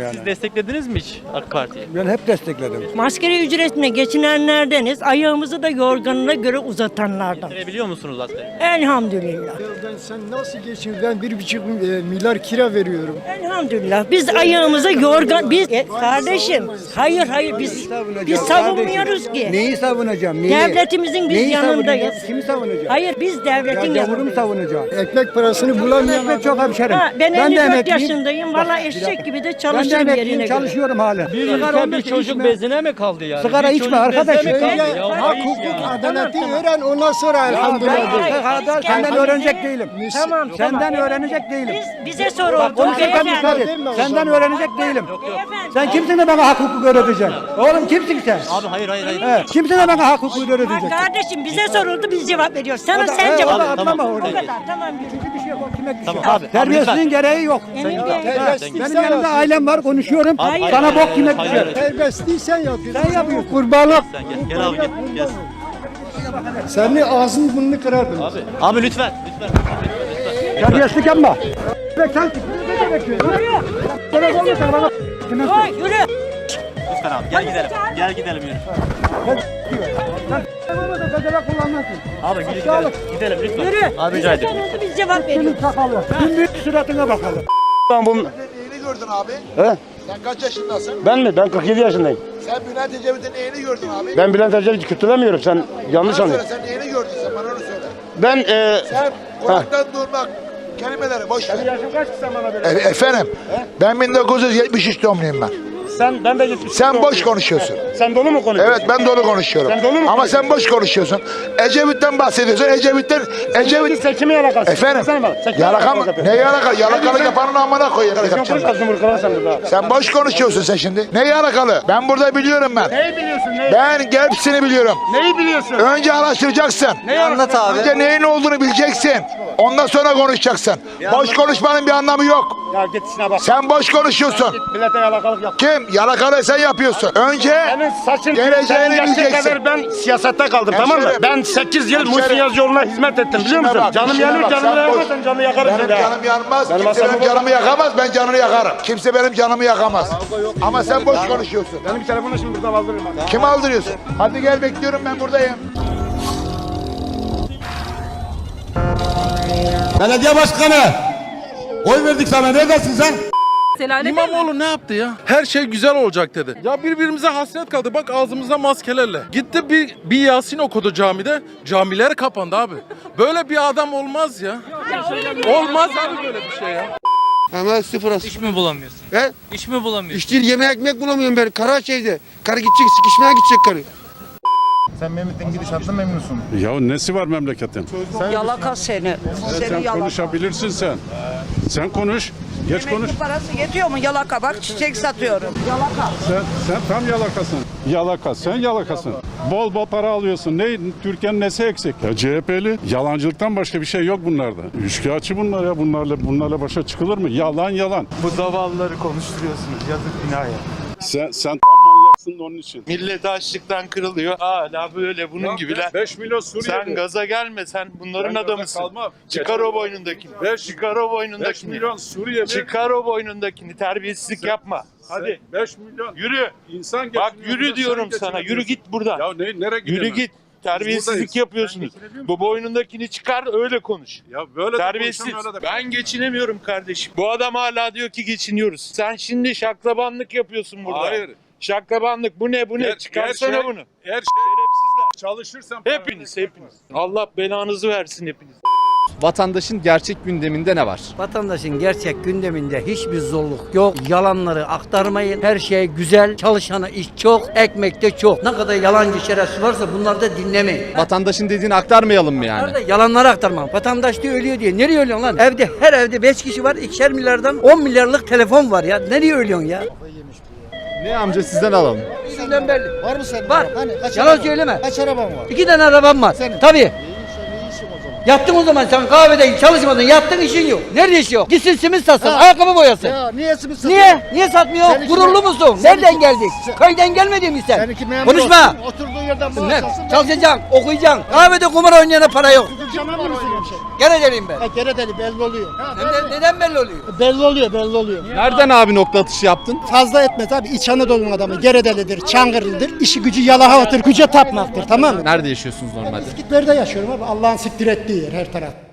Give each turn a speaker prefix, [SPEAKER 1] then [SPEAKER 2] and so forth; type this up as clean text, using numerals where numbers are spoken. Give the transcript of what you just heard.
[SPEAKER 1] Siz desteklediniz mi hiç AK Parti'yi?
[SPEAKER 2] Ben hep destekledim.
[SPEAKER 3] Maskeri ücretine geçinenlerdeniz. Ayağımızı da yorganına göre uzatanlardan.
[SPEAKER 1] Verebiliyor musunuz asgari?
[SPEAKER 3] Elhamdülillah.
[SPEAKER 4] Sen nasıl geçin? Ben 1,5 milyar kira veriyorum.
[SPEAKER 3] Elhamdülillah. Biz ayağımıza yorgan... Kardeşim. Hayır biz savunmuyoruz ki.
[SPEAKER 2] Neyi savunacağım? Neyi?
[SPEAKER 3] Devletimizin biz
[SPEAKER 2] Neyi
[SPEAKER 3] yanındayız.
[SPEAKER 2] savunacağım? Kimi savunacağım?
[SPEAKER 3] Hayır biz devletin
[SPEAKER 2] Yavurumu
[SPEAKER 3] yanındayız.
[SPEAKER 2] savunacağım.
[SPEAKER 4] Ekmek parasını bulamayan
[SPEAKER 2] Ekmek çok hemşerim.
[SPEAKER 3] Ben
[SPEAKER 2] de
[SPEAKER 3] 54
[SPEAKER 2] emekliyim.
[SPEAKER 3] yaşındayım. Valla eşek gibi de
[SPEAKER 2] Ben de
[SPEAKER 3] çalışırım
[SPEAKER 2] emekliyim,
[SPEAKER 3] yerine göre.
[SPEAKER 2] çalışıyorum hala.
[SPEAKER 1] Bir
[SPEAKER 2] Sigara
[SPEAKER 1] ülke
[SPEAKER 2] olmasa
[SPEAKER 1] bir çocuk
[SPEAKER 2] içme.
[SPEAKER 1] bezine mi kaldı yani?
[SPEAKER 2] Sigara
[SPEAKER 1] Bir
[SPEAKER 2] içme
[SPEAKER 1] çocuk
[SPEAKER 2] arkadaş.
[SPEAKER 1] bezine mi kaldı?
[SPEAKER 3] Öyle-
[SPEAKER 1] Ya,
[SPEAKER 4] hak,
[SPEAKER 1] ayıp
[SPEAKER 4] hukuk,
[SPEAKER 1] ya.
[SPEAKER 4] adaleti
[SPEAKER 3] Tamam.
[SPEAKER 4] öğren ondan sonra elhamdülillah.
[SPEAKER 3] Hayır.
[SPEAKER 2] Senden öğrenecek değilim.
[SPEAKER 3] Tamam.
[SPEAKER 2] Senden öğrenecek değilim.
[SPEAKER 3] Bize soruldu.
[SPEAKER 2] Bak konuşurken dikkat et. Senden öğrenecek değilim. Sen kimsin de bana hak hukuk öğreteceksin? Oğlum kimsin sen?
[SPEAKER 1] Abi hayır.
[SPEAKER 2] He, kimsin de bana hak hukuk
[SPEAKER 3] Bak
[SPEAKER 2] öğreteceksin?
[SPEAKER 3] kardeşim bize soruldu biz cevap veriyoruz. Sana sen
[SPEAKER 2] He,
[SPEAKER 3] cevap
[SPEAKER 2] o da
[SPEAKER 3] ver.
[SPEAKER 2] atlama
[SPEAKER 1] Tamam.
[SPEAKER 3] O
[SPEAKER 2] orada.
[SPEAKER 3] kadar tamam yürü.
[SPEAKER 2] Çünkü bir şey yok. O kime düşüyor?
[SPEAKER 1] Tamam abi.
[SPEAKER 2] Terbiyesizliğin gereği yok.
[SPEAKER 3] Emin Bey.
[SPEAKER 2] Benim yanımda ailem var konuşuyorum.
[SPEAKER 1] Hayır.
[SPEAKER 2] Sana bok kime
[SPEAKER 1] Hayır.
[SPEAKER 2] düşer?
[SPEAKER 4] Serbestliği sen yapıyorsun.
[SPEAKER 2] Sen yapıyorsun.
[SPEAKER 4] Kurbanlık.
[SPEAKER 1] Sen gel abi gel.
[SPEAKER 4] Senin ağzını burnunu kırardım.
[SPEAKER 1] Abi lütfen.
[SPEAKER 2] Terbiyesizlik yapma. Sen
[SPEAKER 3] Oy yürü.
[SPEAKER 1] Lütfen abi gel gidelim. Gel gidelim yürü. Abi gidelim. Gidelim lütfen.
[SPEAKER 3] Yürü.
[SPEAKER 1] Abi
[SPEAKER 3] Bize
[SPEAKER 1] rica ederim.
[SPEAKER 3] soruldu biz cevap veriyoruz.
[SPEAKER 2] Tüm büyük suratına bakalım.
[SPEAKER 5] Ben bunu...
[SPEAKER 6] Neyini gördün abi?
[SPEAKER 5] He?
[SPEAKER 6] Sen kaç yaşındasın?
[SPEAKER 5] Ben mi? Ben 47 yaşındayım.
[SPEAKER 6] Sen Bülent Ecevit'in neyini gördün abi?
[SPEAKER 5] Ben Bülent Ecevit'i kötülemiyorum. Sen yanlış
[SPEAKER 6] Bana söyle
[SPEAKER 5] anlıyorsun.
[SPEAKER 6] sen neyini gördün sen bana onu söyle.
[SPEAKER 5] Ben
[SPEAKER 6] Sen kulaktan durmak kelimeleri boş ver.
[SPEAKER 5] yaşın kaç ki sen bana böyle?
[SPEAKER 6] Efendim ben 1973 doğumluyum ben.
[SPEAKER 5] Ben de gitmiştim.
[SPEAKER 6] Sen boş konuşuyorsun.
[SPEAKER 5] Sen dolu mu konuşuyorsun?
[SPEAKER 6] Evet ben dolu konuşuyorum.
[SPEAKER 5] Sen dolu mu
[SPEAKER 6] Ama
[SPEAKER 5] konuşuyorsun?
[SPEAKER 6] sen boş konuşuyorsun. Ecevit'ten bahsediyorsun. Ecevit
[SPEAKER 5] Sen kimin yalakası?
[SPEAKER 6] efendim
[SPEAKER 5] Sen bana. Sen kimin
[SPEAKER 6] yalaka mı?
[SPEAKER 5] yapıyorsun?
[SPEAKER 6] Ne yalaka? Yalakalık yapanın amına koyayım.
[SPEAKER 5] Sen
[SPEAKER 6] Yapacağım
[SPEAKER 5] konuş
[SPEAKER 6] ben.
[SPEAKER 5] kızım burkala sen burada.
[SPEAKER 6] Sen boş konuşuyorsun sen şimdi. Ne yalakalı? Ben burada biliyorum ben.
[SPEAKER 5] Neyi biliyorsun neyi?
[SPEAKER 6] Ben hepsini biliyorum.
[SPEAKER 5] Neyi biliyorsun?
[SPEAKER 6] Önce araştıracaksın.
[SPEAKER 5] Neyi anlat abi?
[SPEAKER 6] Önce neyin olduğunu bileceksin. Ondan sonra konuşacaksın. Boş konuşmanın bir anlamı yok.
[SPEAKER 5] Ya git işine bak.
[SPEAKER 6] Sen boş konuşuyorsun.
[SPEAKER 5] Git millete yalakalık yap.
[SPEAKER 6] Kim? Yalakalı sen yapıyorsun. Önce
[SPEAKER 5] Senin saçın
[SPEAKER 6] geleceğini
[SPEAKER 5] yaşın
[SPEAKER 6] bileceksin.
[SPEAKER 5] kadar ben siyasette kaldım tamam mı?
[SPEAKER 6] Hemşerim.
[SPEAKER 5] Ben 8 yıl
[SPEAKER 6] Hemşerim.
[SPEAKER 5] Muhsin Yazıcıoğlu'na hizmet ettim biliyor
[SPEAKER 6] İşine
[SPEAKER 5] musun?
[SPEAKER 6] bak,
[SPEAKER 5] Canım
[SPEAKER 6] işine
[SPEAKER 5] yanır
[SPEAKER 6] bak.
[SPEAKER 5] canımı
[SPEAKER 6] Sen
[SPEAKER 5] yakarsan
[SPEAKER 6] boş-
[SPEAKER 5] canını yakarım
[SPEAKER 6] Benim
[SPEAKER 5] seni.
[SPEAKER 6] canım yanmaz.
[SPEAKER 5] Benim
[SPEAKER 6] Kimse
[SPEAKER 5] asabım
[SPEAKER 6] benim canımı yakamaz. Ben canını yakarım. Kimse benim canımı yakamaz. Ama sen boş konuşuyorsun.
[SPEAKER 5] Benim bir telefonu şimdi burada kaldırırım.
[SPEAKER 6] Kim aldırıyorsun? Hadi gel bekliyorum ben buradayım.
[SPEAKER 7] Belediye başkanı. Oy verdik sana. Neredesin sen?
[SPEAKER 8] İmamoğlu ne yaptı ya? Her şey güzel olacak dedi. Ya birbirimize hasret kaldı. Bak ağzımızda maskelerle. Gitti bir Yasin okudu camide. Camiler kapandı abi. Böyle bir adam olmaz ya. Olmaz abi böyle bir şey ya.
[SPEAKER 7] Hemen sıfır as.
[SPEAKER 9] İş mi bulamıyorsun?
[SPEAKER 7] He?
[SPEAKER 9] İş mi bulamıyorsun?
[SPEAKER 7] İş değil, yemek ekmek bulamıyorum ben. Karaçay'da. Karı gidecek, sıkışmaya gidecek karı.
[SPEAKER 10] Sen Mehmet'in gidişatından memnunsun.
[SPEAKER 11] Ya nesi var memleketin?
[SPEAKER 3] Yalaka seni.
[SPEAKER 11] Sen konuşabilirsin sen. Sen konuş. Geç konuş.
[SPEAKER 3] Parası yetiyor mu? Yalaka bak çiçek satıyorum.
[SPEAKER 11] Sen tam yalakasın. Yalaka. Sen yalakasın. Bol bol para alıyorsun. Ne? Türkiye'nin nesi eksik? Ya CHP'li. Yalancılıktan başka bir şey yok bunlarda. Üçkağıtçı bunlar ya. Bunlarla başa çıkılır mı? Yalan.
[SPEAKER 10] Bu zavallıları konuşturuyorsunuz. Yazık günah ya.
[SPEAKER 11] Sen tam manyaksın da onun için.
[SPEAKER 10] Millet açlıktan kırılıyor. Hala böyle bunun gibiler.
[SPEAKER 11] 5 milyon Suriyeli.
[SPEAKER 10] Sen gaza gelme. Sen bunların
[SPEAKER 11] Ben gaza
[SPEAKER 10] adamısın.
[SPEAKER 11] kalmam.
[SPEAKER 10] Çıkar o boynundakini. Çıkar o
[SPEAKER 11] 5
[SPEAKER 10] boynundakini.
[SPEAKER 11] milyon Suriyeli.
[SPEAKER 10] Çıkar o boynundakini. Terbiyesizlik yapma. Hadi.
[SPEAKER 11] 5 milyon.
[SPEAKER 10] Yürü.
[SPEAKER 11] İnsan
[SPEAKER 10] Bak
[SPEAKER 11] geçiniyor,
[SPEAKER 10] yürü
[SPEAKER 11] sen
[SPEAKER 10] diyorum sana.
[SPEAKER 11] geçinemiyorsun.
[SPEAKER 10] Yürü git buradan.
[SPEAKER 11] Ya nereye gidiyorsun?
[SPEAKER 10] Yürü git. Terbiyesizlik
[SPEAKER 11] buradayız.
[SPEAKER 10] yapıyorsunuz. Bu boynundakini çıkar öyle konuş.
[SPEAKER 11] Ya böyle de
[SPEAKER 10] Terbiyesiz.
[SPEAKER 11] konuşan öyle de-
[SPEAKER 10] Ben geçinemiyorum kardeşim. Bu adam hala diyor ki geçiniyoruz. Sen şimdi şaklabanlık yapıyorsun burada.
[SPEAKER 11] Hayır.
[SPEAKER 10] Şaklabanlık bu ne bu ne? Çıkarsana bunu.
[SPEAKER 11] Her şey
[SPEAKER 10] Şerefsizler.
[SPEAKER 11] çalışırsan
[SPEAKER 10] Hepiniz. Allah belanızı versin hepiniz.
[SPEAKER 9] Vatandaşın gerçek gündeminde ne var?
[SPEAKER 3] Vatandaşın gerçek gündeminde hiçbir zorluk yok. Yalanları aktarmayın. Her şey güzel. Çalışana iş çok. Ekmek de çok. Ne kadar yalancı şerefsiz varsa bunları da dinlemeyin.
[SPEAKER 9] Vatandaşın dediğini aktarmayalım mı yani?
[SPEAKER 3] Bunlar da yalanları aktarmam. Vatandaş diyor ölüyor diye. Nereye ölüyorsun lan? Her evde 5 kişi var. 2'şer milyardan 10 milyarlık telefon var ya. Nereye ölüyorsun ya?
[SPEAKER 9] Ne amca sizden alalım.
[SPEAKER 3] Sizden belli.
[SPEAKER 4] Var mı senin?
[SPEAKER 3] Var.
[SPEAKER 4] Hani kaç
[SPEAKER 3] Yalan
[SPEAKER 4] araban?
[SPEAKER 3] söyleme.
[SPEAKER 4] Kaç araban var?
[SPEAKER 3] 2 tane arabam var.
[SPEAKER 4] Senin.
[SPEAKER 3] Tabii.
[SPEAKER 4] Ne işin o zaman?
[SPEAKER 3] Yattın o zaman sen kahvede çalışmadın. Yattın işin yok. Nerede iş yok? Gitsin simit satsın. Ayakkabı boyasın.
[SPEAKER 4] Ya niye simit satıyorsun?
[SPEAKER 3] Niye? Niye satmıyor?
[SPEAKER 4] Seninki
[SPEAKER 3] Gururlu
[SPEAKER 4] me-
[SPEAKER 3] musun?
[SPEAKER 4] seninki-
[SPEAKER 3] Nereden geldik?
[SPEAKER 4] sen-
[SPEAKER 3] Köyden gelmedin mi sen?
[SPEAKER 4] Seninki memur
[SPEAKER 3] Konuşma.
[SPEAKER 4] olsun, oturduğun yerden maaş
[SPEAKER 3] Ne?
[SPEAKER 4] alsın.
[SPEAKER 3] Çalışacaksın, okuyacaksın. Kahvede kumar oynayana para yok.
[SPEAKER 4] Canım mı mısın hemşerim?
[SPEAKER 3] Gereceliyim ben.
[SPEAKER 4] Geredeli belli oluyor.
[SPEAKER 3] Neden belli oluyor?
[SPEAKER 4] Belli oluyor, belli oluyor.
[SPEAKER 9] Nereden abi nokta atışı yaptın?
[SPEAKER 4] Fazla etmez abi. İç Anadolu'nun adamı. Geredelidir, Çankırılıdır. İşi gücü yalakalıdır, güce tapmaktır, tamam mı?
[SPEAKER 9] Nerede yaşıyorsunuz normalde?
[SPEAKER 4] İskitlerde yaşıyorum abi. Allah'ın siktir ettiği yer her taraf.